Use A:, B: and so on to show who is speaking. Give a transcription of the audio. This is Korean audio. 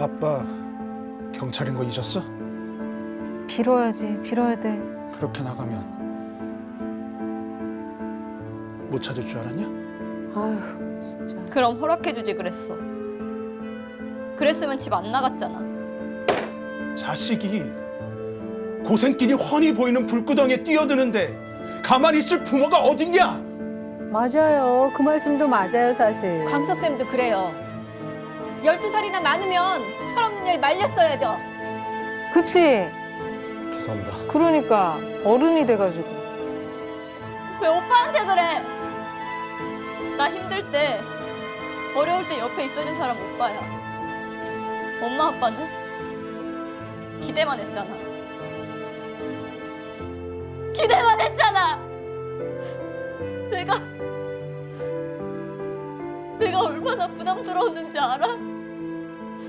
A: 아빠 경찰인 거 잊었어?
B: 빌어야지, 빌어야 돼.
A: 그렇게 나가면 못 찾을 줄 알았냐?
B: 아휴, 진짜.
C: 그럼 허락해주지 그랬어. 그랬으면 집 안 나갔잖아.
A: 자식이 고생길이 훤히 보이는 불구덩이에 뛰어드는데 가만히 있을 부모가 어딨냐?
D: 맞아요. 그 말씀도 맞아요, 사실.
E: 광섭쌤도 그래요. 12살이나 많으면 철없는 일 말렸어야죠.
B: 그치?
F: 죄송합니다.
B: 그러니까 어른이 돼가지고.
C: 왜 오빠한테 그래? 나 힘들 때, 어려울 때 옆에 있어준 사람 오빠야. 엄마 아빠는 기대만 했잖아. 기대만 했잖아. 내가 얼마나 부담스러웠는지 알아?